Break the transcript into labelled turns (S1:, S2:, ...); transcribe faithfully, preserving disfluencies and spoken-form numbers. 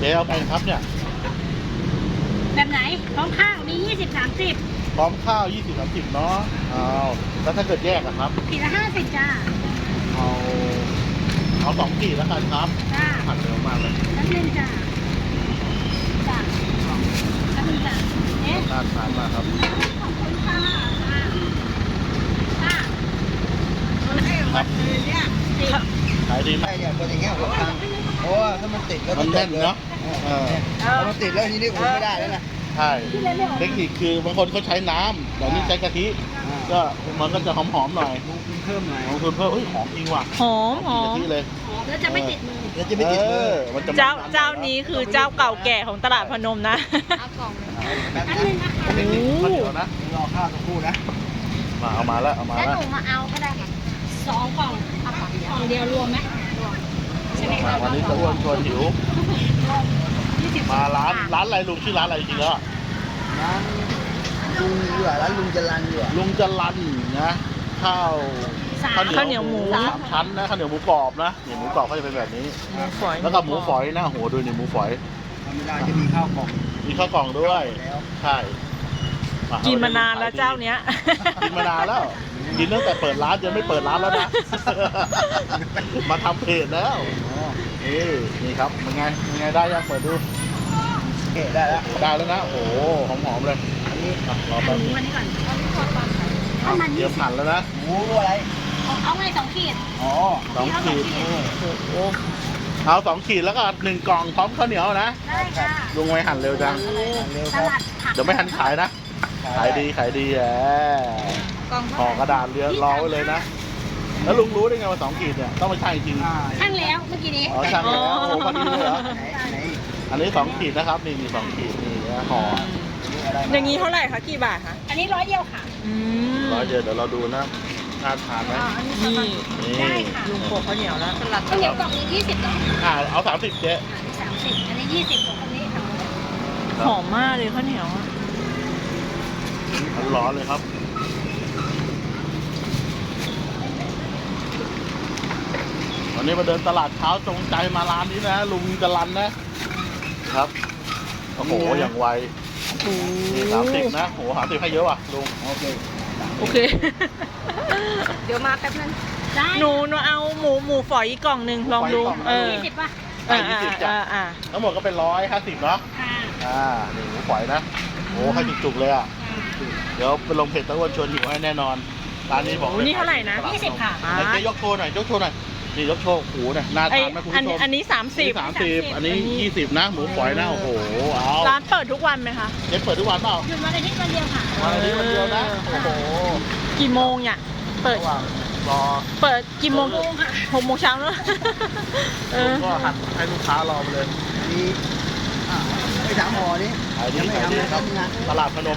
S1: จ๊เอาไปครับเนี่ย
S2: แบบไหนพร้อมข้าวมียี่สิบ สามสิบ
S1: พร้อมข้าวยี่สิบ สามสิบเนาะเอาแล้วถ้าเกิดแยกอะครับ
S2: ขีดละห้าสิบจ้า
S1: เอาเอาสองขีดแล้วกันครับ
S2: จ้า
S1: ผัดเร็วมากเลย
S2: น้ำหนึ่งจ้าจ้าน้ำหนึ่งจ้าเอ๊ะ
S1: น่าทานมากครับ
S2: ขอบคุณค่ะจ้า
S1: ครับขายดีไหม
S3: ใช่เนี่ยคนอย่างเงี้ยผมทำเพราะว่าถ้ามันติดแล้ว
S1: มันแน่นเนาะเออ
S3: พอมันติดแล้วทีนี้ผมไม่ได้แล้วนะ
S1: ใช่เทคนิคคือบางคนเขาใช้น้ำแต่นี่ใช้กะทิ ก็มันก็จะหอมๆหน่อย
S3: ลงทุนเพิ่มหน่อย
S1: ลงทุนเพิ่มเฮ้ยหอมจริงว่ะ
S4: หอมหอ
S1: กิน
S4: ม
S1: กะทิเลย
S2: แล้วจะไม่ติดมือ
S3: แล้วจะไม่ติดมือ
S1: มันจะ
S4: เจ้าเจ้านี้คือเจ้าเก่าแก่ของตลาดพนมนะ
S2: เอากล่องหนึ่ง
S3: แบบ
S2: อัน
S3: นี้
S2: หนึ่งนะคะ
S1: เทคนิคข้าวเหนียวนะ
S3: รอข้าวสักครู่นะ
S1: มาเอามาแล้วเอามา
S2: แล้ว
S1: แล้ว
S2: หนูมาเอาก็ได้ค่ะสองกล่องเอากล่องกล่องเดียวรวมไหมรวมใช่ไหม
S1: มา
S2: คะ
S1: วันนี้จะอ้วนชวนหิว
S2: ยี่สิบ
S1: มาร้านร้านอะไรลุงชื่อร้านอะไรจริงๆแล้ว
S3: ร้านลุงอยู่อ่ะร้านลุงจรันอยู่อ่ะ
S1: ลุงจรันนะข้าว
S2: สาม
S4: ข้าวเหนียวหมู
S1: สามชั้นนะข้าวเหนียวหมูกรอบนะนี่หมูกรอบเขาจะเป็นแบบนี้
S4: หมูฝอย
S1: แล้วก็หมูฝอยนะโหดูนี่หมูฝอย
S3: ธรรมดาจะมีข้าวกล่อง
S1: มีข้าวกล่องด้วย
S3: แล้ว
S1: ใช่อ่ะ
S4: กินมานานแล้วเจ้าเนี้ย
S1: กินมานานแล้ว กินตั้งแต่เปิดร้านยังไม่เปิดร้านแล้วนะ มาทำเพจแล้ว
S3: อ๋อ
S1: นี่นี่ครับเป็นไงเป็นไงได้ยังเปิดดู
S3: โอเคได้แล้ว
S1: ได้แล้วนะโอ้โหหอมๆเลย
S3: อันนี้
S1: อ่ะรอ
S2: ห
S1: แป๊บ
S2: มู
S1: นึง
S2: อันนี้ก่อนเอาที่ทอดก่อนถ้ามัน
S1: เตรี
S2: ยี่
S1: ยม
S2: สิบ
S1: หั่นแล้วนะ
S3: หมูอะไร
S2: เอาเอาไงสองขีด
S3: อ๋อ
S1: สองขีด
S2: เอาสองขีด
S1: โอ้โหเอาสองขีดแล้วก็หนึ่งกล่องพร้อมข้าวเหนียวนะ
S2: ได้ค่ะ
S1: ลุงไว้หั่นเร็วจัง
S3: เร็ว
S2: ต
S3: ครับ
S2: ลาดผัก
S1: เดี๋ยวไม่ทันขายนะ ขายดีขายดีแหม
S2: กล่อง
S1: ห่อกระดาษเรียรอไว้เลยนะ แล้วลุงรู้ได้ไงว่าสองขีดเนี่ยต้องไม่ใช่จริง
S3: อ่า
S2: ช่างแล้วเมื่อกี้นี้
S1: อ๋อช่างแล้วโอ้โหพอดีเลยเหรอ
S3: ไหนไหน
S1: อันนี้สองขีดนะครับนี่มีสองขีดนี่นะห่อ
S3: นี่อะไร
S4: อย่างนี้เท่าไหร่คะกี่บาทคะ
S2: อันนี้ร้อยเดียวค่ะ
S4: อืม
S1: ร้อยเดียวเดี๋ยวเราดูนะน่าทานไหม
S4: นี่
S1: นี่
S2: ได้ค่ะ
S4: ลุงโปะข้าวเหนียวแล้วสลัด
S2: ข้าวเหนียวกล่องนี้ยี่สิบกล่อง
S1: อ่าเอาสามสิบเจ๊
S2: สามสิบอันนี้ยี่สิบของคนนี้ค่ะ
S4: หอมมากเลยข้าวเหนียวอะ
S1: ร้อนๆเลยครับวันนี้มาเดินตลาดเช้าจงใจมาร้านนี้นะ ลุงจรันนะครับโอ้โหอย่างไว
S4: โอ้
S1: นี่สามสิบนะโอ้โหสามสิบให้เยอะว่ะลุง
S3: โอเค
S4: โอเค
S2: เดี๋ยวมาแป๊บนึงได้
S4: หนูหนูเอาหมูหมูฝอยอีกกล่องหนึ่งลองดู เออ
S2: ยี่สิบป่ะ
S4: อ่าอ่าอ่าอ่า
S1: ทั้งหมดก็เป็นร้อยห้าสิบเนาะ
S2: ค่ะ
S1: อ่านี่หมูฝอยนะโอ้ให้จุกๆเลยอ่ะเดี๋ยวไปลงเพจตะวันชวนหิวให้แน่นอนร้านนี้บอก
S4: โอ้นี่เท่าไหร่นะ
S2: ยี่สิบค่ะ
S4: อ่า
S1: ไหนเจ๊ยกโชว์หน่อยยกโชว์หน่อยนี่ยกโชว์หูเนี่ยน่า
S4: ไอ
S1: ทานไหมคุณ
S4: อัน
S1: ผู้ชม
S4: อันนี้สามสิบ
S1: สามสิบอันนี้ยี่สิบนะ หมูฝอยนะ โอ้โห เอา
S4: ร้านเปิดทุกวันไหมคะ
S1: เจ๊เปิดทุกวันเปล่า
S2: หยุดวันอาทิตย์วันเดียวค่ะ
S1: วันอาทิตย์วันเดียวนะ โอ้โห
S4: กี่โมงเนี่ยเปิด
S1: ระหว่างรอ
S4: เปิดกี่โมง
S2: หกโมงค่ะ
S4: หกโมงเช้าเนอะเอ
S1: ผม
S4: อ
S1: ก็หัดให้ลูกค้ารอไปเลย
S3: อันนี้อ่าไม่ถามหมอนี่
S1: ขายดี
S3: ยังไม่
S1: ขาย
S3: ทำ
S1: ดี
S3: เลย
S1: ครับ
S3: ทำงาน
S1: ตลาดพนม